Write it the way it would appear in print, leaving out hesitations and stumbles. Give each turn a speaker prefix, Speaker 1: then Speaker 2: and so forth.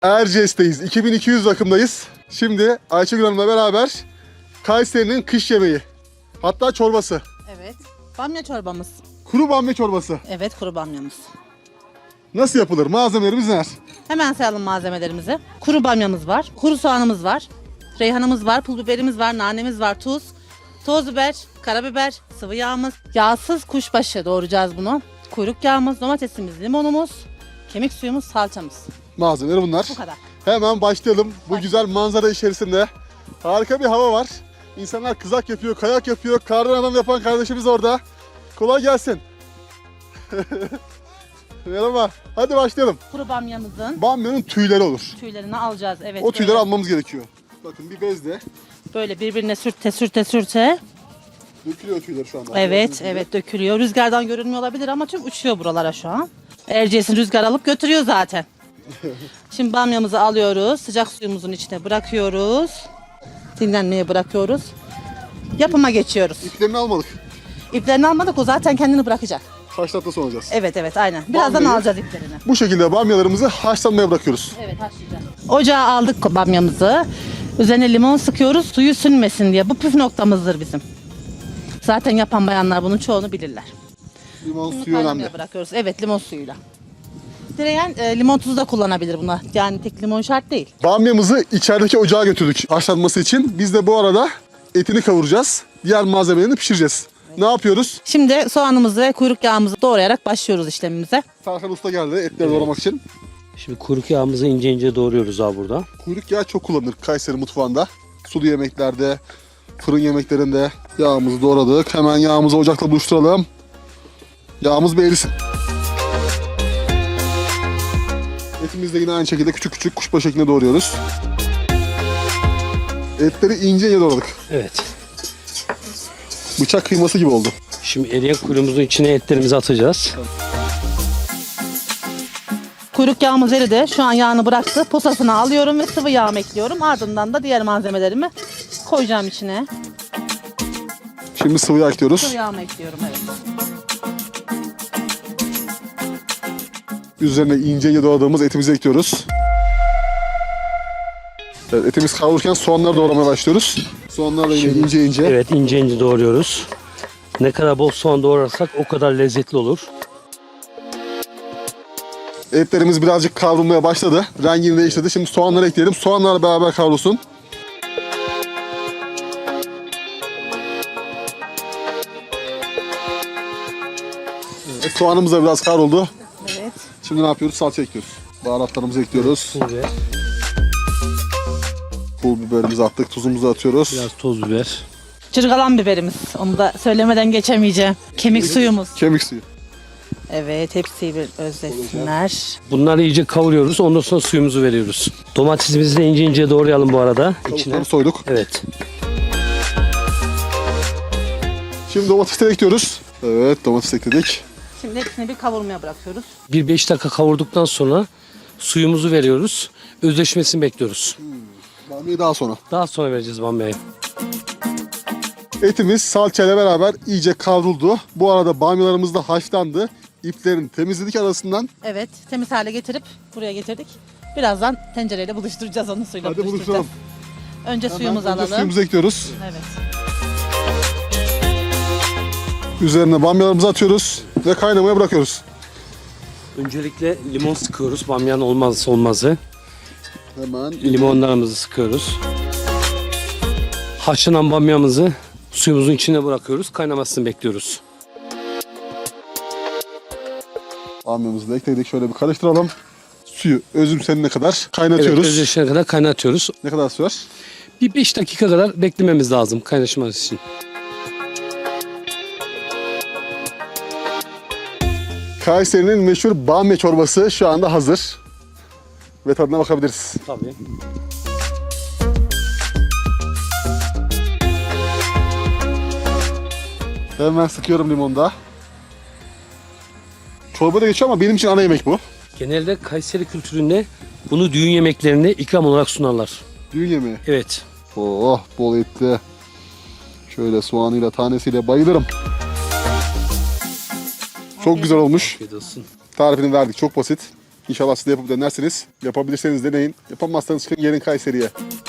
Speaker 1: Erciyes'teyiz. 2200 rakımdayız. Şimdi Ayşegül Hanım'la beraber Kayseri'nin kış yemeği. Hatta çorbası.
Speaker 2: Evet. Bamya çorbamız.
Speaker 1: Kuru bamya çorbası.
Speaker 2: Evet, kuru bamyamız.
Speaker 1: Nasıl yapılır? Malzemelerimiz neler?
Speaker 2: Hemen sayalım malzemelerimizi. Kuru bamyamız var, kuru soğanımız var, reyhanımız var, pul biberimiz var, nanemiz var, tuz, toz biber, karabiber, sıvı yağımız, yağsız kuşbaşı doğrayacağız bunu. Kuyruk yağımız, domatesimiz, limonumuz, kemik suyumuz, salçamız.
Speaker 1: Malzemeleri bunlar.
Speaker 2: Bu kadar.
Speaker 1: Hemen başlayalım. Bu güzel manzara içerisinde. Harika bir hava var. İnsanlar kızak yapıyor, kayak yapıyor. Kardan adam yapan kardeşimiz orada. Kolay gelsin. Merhaba. Hadi başlayalım.
Speaker 2: Kuru bamyamızın
Speaker 1: Bamyanın tüyleri olur.
Speaker 2: tüylerini alacağız. Evet.
Speaker 1: O tüyleri
Speaker 2: böyle,
Speaker 1: almamız gerekiyor. Bakın bir bezle
Speaker 2: böyle birbirine sürte.
Speaker 1: dökülüyor tüyler şu anda.
Speaker 2: Evet,
Speaker 1: Gördüğünüz gibi.
Speaker 2: evet dökülüyor. Rüzgardan görünmüyor olabilir ama tüm uçuyor buralara şu an. Erciyes'in rüzgar alıp götürüyor zaten. Şimdi bamyamızı alıyoruz. Sıcak suyumuzun içine bırakıyoruz. Dinlenmeye bırakıyoruz. Yapıma geçiyoruz.
Speaker 1: İplerini almadık.
Speaker 2: İplerini almadık, o zaten kendini bırakacak.
Speaker 1: Kaç dakika sonra alacağız.
Speaker 2: Evet aynen. Birazdan
Speaker 1: Bamyayı-
Speaker 2: alacağız iplerini.
Speaker 1: Bu şekilde bamyalarımızı haşlanmaya bırakıyoruz.
Speaker 2: Evet, haşlayacağız. Ocağa aldık bamyamızı. Üzerine limon sıkıyoruz suyu sünmesin diye. Bu püf noktamızdır bizim. Zaten yapan bayanlar bunun çoğunu bilirler.
Speaker 1: Limon
Speaker 2: Bunu
Speaker 1: suyu önemli.
Speaker 2: kaynamaya bırakıyoruz. Evet, limon suyuyla. Dileyen limon tuzu da kullanabilir buna. Yani tek limon şart değil.
Speaker 1: Bamyamızı içerideki ocağa götürdük haşlanması için. Biz de bu arada etini kavuracağız. Diğer malzemelerini pişireceğiz. Ne yapıyoruz?
Speaker 2: Şimdi soğanımızı ve kuyruk yağımızı doğrayarak başlıyoruz işlemimize.
Speaker 1: Serkan Usta geldi etleri doğramak için.
Speaker 3: Şimdi kuyruk yağımızı ince ince doğruyoruz abi burada.
Speaker 1: Kuyruk yağı çok kullanılır Kayseri mutfağında. Sulu yemeklerde, fırın yemeklerinde yağımızı doğradık. Hemen yağımızı ocakla buluşturalım. Yağımız bir erisin. Etimizi de yine aynı şekilde küçük küçük kuşbaşı şeklinde doğruyoruz. Etleri ince ince doğradık.
Speaker 3: Evet.
Speaker 1: Bıçak kıyması gibi oldu.
Speaker 3: Şimdi eriyen kuyruğumuzun içine etlerimizi atacağız.
Speaker 2: Kuyruk yağımız eridi. Şu an yağını bıraktı. Posasını alıyorum ve sıvı yağımı ekliyorum. Ardından da diğer malzemelerimi koyacağım içine.
Speaker 1: Şimdi sıvı yağ ekliyoruz.
Speaker 2: Sıvı yağımı ekliyorum, evet.
Speaker 1: Üzerine ince ince doğradığımız etimizi ekliyoruz. Evet, etimiz kavrulurken soğanları doğramaya başlıyoruz. Soğanlar da yine ince ince.
Speaker 3: Evet, ince ince doğruyoruz. Ne kadar bol soğan doğrarsak o kadar lezzetli olur.
Speaker 1: Etlerimiz birazcık kavrulmaya başladı. Rengini değiştirdi. Şimdi soğanları ekleyelim. Soğanlarla beraber kavrulsun. Evet, soğanımız da biraz kavruldu.
Speaker 2: Evet.
Speaker 1: Şimdi ne yapıyoruz? Salça ekliyoruz. Baharatlarımızı ekliyoruz.
Speaker 3: Pul biber,
Speaker 1: Pul biberimizi attık. Tuzumuzu atıyoruz.
Speaker 3: biraz toz biber.
Speaker 2: Çırgalan biberimiz. Onu da söylemeden geçemeyeceğim. Kemik suyumuz.
Speaker 1: Kemik suyu.
Speaker 2: Evet, hepsi bir özlesinler.
Speaker 3: Bunları iyice kavuruyoruz. Ondan sonra suyumuzu veriyoruz. Domatesimizi de ince ince doğrayalım bu arada. İçine.
Speaker 1: Tavukları soyduk.
Speaker 3: Evet.
Speaker 1: Şimdi domatesleri ekliyoruz. Evet, domates ekledik.
Speaker 2: Şimdi hepsini bir kavurmaya bırakıyoruz.
Speaker 3: Bir 5 dakika kavurduktan sonra suyumuzu veriyoruz. Özleşmesini bekliyoruz.
Speaker 1: Bamyayı daha sonra.
Speaker 3: Daha sonra vereceğiz bamyayı.
Speaker 1: Etimiz salçayla beraber iyice kavruldu. Bu arada bamyalarımız da haşlandı. İplerini temizledik arasından.
Speaker 2: Evet, temiz hale getirip buraya getirdik. Birazdan tencereyle buluşturacağız, onu suyla
Speaker 1: Hadi
Speaker 2: buluşturacağız.
Speaker 1: buluşturalım.
Speaker 2: Önce suyumuzu
Speaker 1: Hemen önce
Speaker 2: alalım.
Speaker 1: Suyumuzu ekliyoruz.
Speaker 2: Evet.
Speaker 1: Üzerine bamyalarımızı atıyoruz ve kaynamaya bırakıyoruz.
Speaker 3: Öncelikle limon sıkıyoruz. Bamyanın olmazsa olmazı.
Speaker 1: Hemen
Speaker 3: Limonlarımızı sıkıyoruz. Haşlanan bamyamızı suyumuzun içine bırakıyoruz. Kaynamasını bekliyoruz.
Speaker 1: bamyamızı da ekledik. Şöyle bir karıştıralım. Suyu özümsenene kadar
Speaker 3: Evet,
Speaker 1: kaynatıyoruz.
Speaker 3: özleşene kadar kaynatıyoruz.
Speaker 1: Ne kadar sürer?
Speaker 3: Bir 5 dakika kadar beklememiz lazım kaynaşması için.
Speaker 1: Kayseri'nin meşhur bamya çorbası şu anda hazır. Ve tadına bakabiliriz.
Speaker 3: Tabii.
Speaker 1: Hemen sıkıyorum limonu da. Çorba da geçiyor ama benim için ana yemek bu.
Speaker 3: Genelde Kayseri kültüründe bunu düğün yemeklerinde ikram olarak sunarlar.
Speaker 1: Düğün yemeği.
Speaker 3: Evet.
Speaker 1: Oh, bol etli. Şöyle soğanıyla, tanesiyle bayılırım. Çok güzel olmuş.
Speaker 3: Afiyet olsun.
Speaker 1: Tarifini verdik. Çok basit. İnşallah siz de yapıp denersiniz. Yapabilirseniz deneyin. Yapamazsanız çıkın gelin Kayseri'ye.